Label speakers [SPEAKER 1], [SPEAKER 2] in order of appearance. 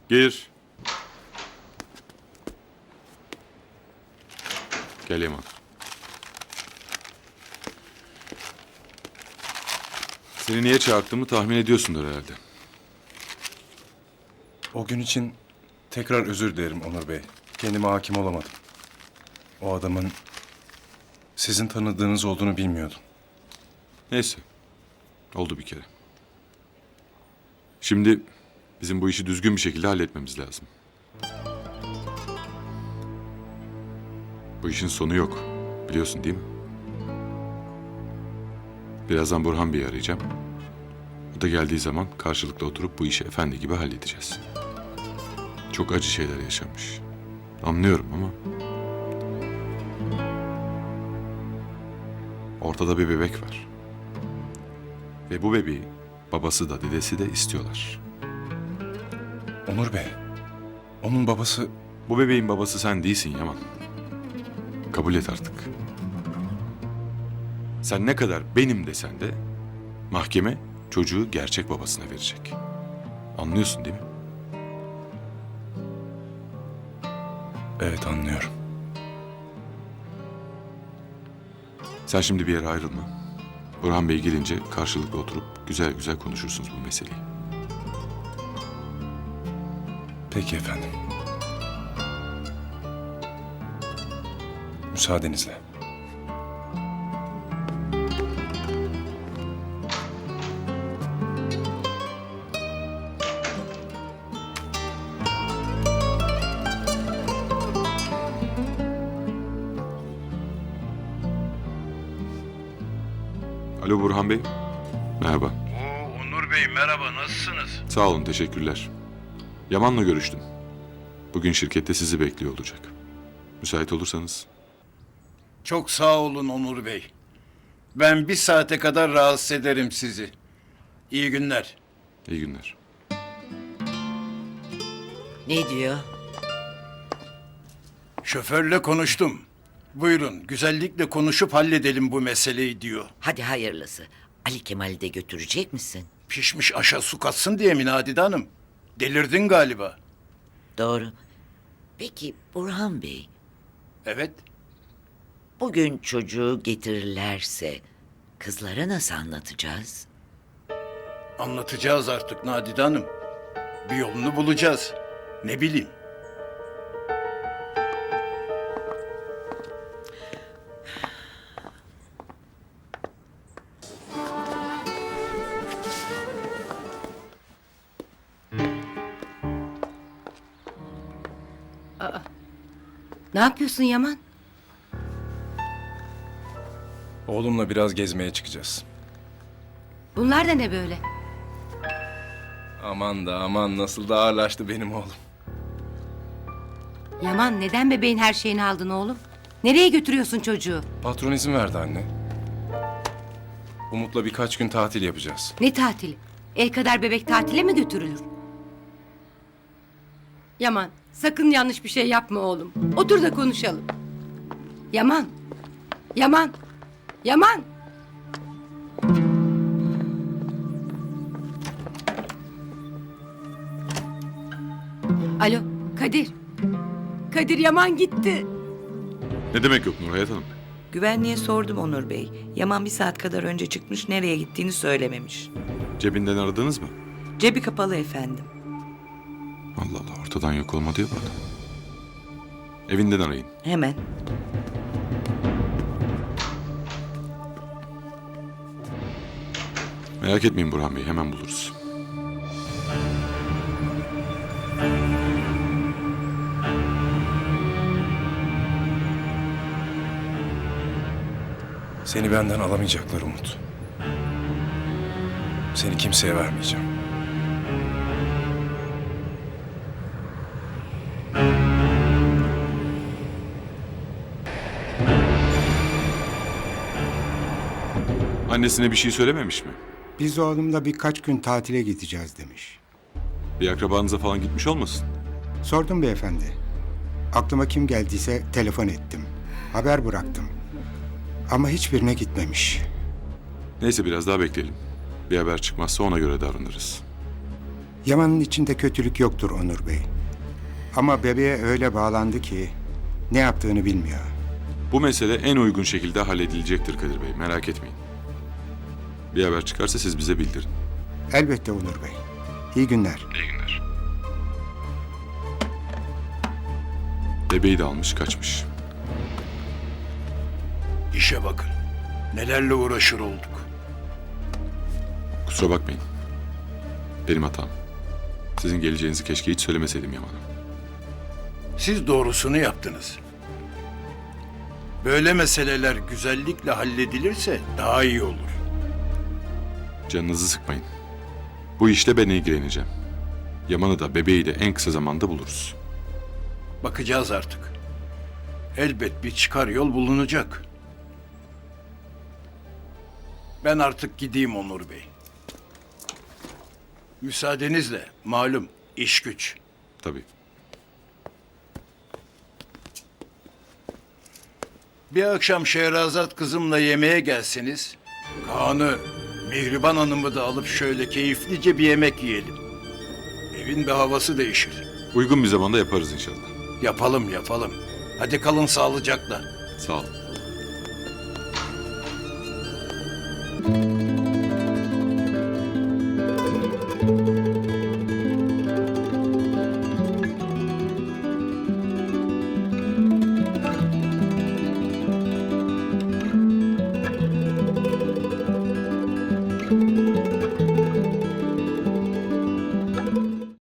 [SPEAKER 1] Gir. Gel Yaman. Seni niye çağırdığımı tahmin ediyorsundur herhalde.
[SPEAKER 2] O gün için tekrar özür dilerim Onur Bey. Kendime hakim olamadım. O adamın sizin tanıdığınız olduğunu bilmiyordum.
[SPEAKER 1] Neyse. Oldu bir kere. Şimdi bizim bu işi düzgün bir şekilde halletmemiz lazım. Bu işin sonu yok. Biliyorsun değil mi? Birazdan Burhan Bey'i arayacağım. O da geldiği zaman karşılıklı oturup bu işi efendi gibi halledeceğiz. Çok acı şeyler yaşanmış. Anlıyorum ama... Ortada bir bebek var. Ve bu bebeği babası da dedesi de istiyorlar.
[SPEAKER 2] Onur Bey, onun babası...
[SPEAKER 1] Bu bebeğin babası sen değilsin Yaman. Kabul et artık. Sen ne kadar benim desen de mahkeme çocuğu gerçek babasına verecek. Anlıyorsun değil mi?
[SPEAKER 2] Evet, anlıyorum.
[SPEAKER 1] Sen şimdi bir yere ayrılma. Burhan Bey gelince karşılıklı oturup güzel güzel konuşursunuz bu meseleyi.
[SPEAKER 2] Peki efendim. Müsaadenizle.
[SPEAKER 1] Alo Burhan Bey. Merhaba.
[SPEAKER 3] Onur Bey merhaba, nasılsınız?
[SPEAKER 1] Sağ olun, teşekkürler. Yaman'la görüştüm. Bugün şirkette sizi bekliyor olacak. Müsait olursanız.
[SPEAKER 3] Çok sağ olun Onur Bey. Ben bir saate kadar rahatsız ederim sizi. İyi günler.
[SPEAKER 1] İyi günler.
[SPEAKER 4] Ne diyor?
[SPEAKER 3] Şoförle konuştum. Buyurun, güzellikle konuşup halledelim bu meseleyi diyor.
[SPEAKER 4] Hadi hayırlısı. Ali Kemal'i de götürecek misin?
[SPEAKER 3] Pişmiş aşa su katsın diye mi Nadide Hanım? Delirdin galiba.
[SPEAKER 4] Doğru. Peki Burhan Bey,
[SPEAKER 3] Evet,
[SPEAKER 4] bugün çocuğu getirirlerse kızlara nasıl anlatacağız?
[SPEAKER 3] anlatacağız artık Nadide Hanım. Bir yolunu bulacağız. Ne bileyim.
[SPEAKER 5] Ne yapıyorsun Yaman?
[SPEAKER 2] Oğlumla biraz gezmeye çıkacağız.
[SPEAKER 5] Bunlar da ne böyle?
[SPEAKER 2] Aman da aman, nasıl da ağırlaştı benim oğlum.
[SPEAKER 5] Yaman neden bebeğin her şeyini aldın oğlum? Nereye götürüyorsun çocuğu?
[SPEAKER 2] Patron izin verdi anne. Umut'la birkaç gün tatil yapacağız.
[SPEAKER 5] Ne tatili? El kadar bebek tatile mi götürülür? Yaman sakın yanlış bir şey yapma oğlum. Otur da konuşalım. Yaman. Yaman. Yaman. Alo Kadir. Kadir Yaman gitti.
[SPEAKER 1] Ne demek yok Nurhayat Hanım?
[SPEAKER 6] Güvenliğe sordum Onur Bey. Yaman bir saat kadar önce çıkmış, nereye gittiğini söylememiş.
[SPEAKER 1] Cebinden aradınız mı?
[SPEAKER 6] Cebi kapalı efendim.
[SPEAKER 1] Allah Allah, ortadan yok olmadı ya bu adam. Evinden arayın.
[SPEAKER 6] Hemen.
[SPEAKER 1] Merak etmeyin Burhan Bey, hemen buluruz.
[SPEAKER 2] Seni benden alamayacaklar Umut. Seni kimseye vermeyeceğim.
[SPEAKER 1] Annesine bir şey söylememiş mi?
[SPEAKER 7] Biz oğlumla birkaç gün tatile gideceğiz demiş.
[SPEAKER 1] Bir akrabanıza falan gitmiş olmasın?
[SPEAKER 7] Sordum beyefendi. Aklıma kim geldiyse telefon ettim. Haber bıraktım. Ama hiçbirine gitmemiş.
[SPEAKER 1] Neyse biraz daha bekleyelim. Bir haber çıkmazsa ona göre davranırız.
[SPEAKER 7] Yaman'ın içinde kötülük yoktur Onur Bey. Ama bebeğe öyle bağlandı ki ne yaptığını bilmiyor.
[SPEAKER 1] Bu mesele en uygun şekilde halledilecektir Kadir Bey. Merak etmeyin. Bir haber çıkarsa siz bize bildirin.
[SPEAKER 7] Elbette Onur Bey. İyi günler.
[SPEAKER 1] İyi günler. Bebeği de almış kaçmış.
[SPEAKER 3] İşe bakın. Nelerle uğraşır olduk.
[SPEAKER 1] Kusura bakmayın. Benim hatam. Sizin geleceğinizi keşke hiç söylemeseydim Yaman'a.
[SPEAKER 3] Siz doğrusunu yaptınız. Böyle meseleler güzellikle halledilirse daha iyi olur.
[SPEAKER 1] Canınızı sıkmayın. Bu işle ben ilgileneceğim. Yaman'ı da bebeği de en kısa zamanda buluruz.
[SPEAKER 3] Bakacağız artık. Elbet bir çıkar yol bulunacak. Ben artık gideyim Onur Bey. Müsaadenizle malum iş güç.
[SPEAKER 1] Tabii.
[SPEAKER 3] Bir akşam Şehrazat kızımla yemeğe gelseniz, Kaan'ı, Mihriban Hanım'ı da alıp şöyle keyiflice bir yemek yiyelim. Evin bir havası değişir.
[SPEAKER 1] Uygun bir zamanda yaparız inşallah.
[SPEAKER 3] Yapalım yapalım. Hadi kalın sağlıcakla.
[SPEAKER 1] Sağ olun.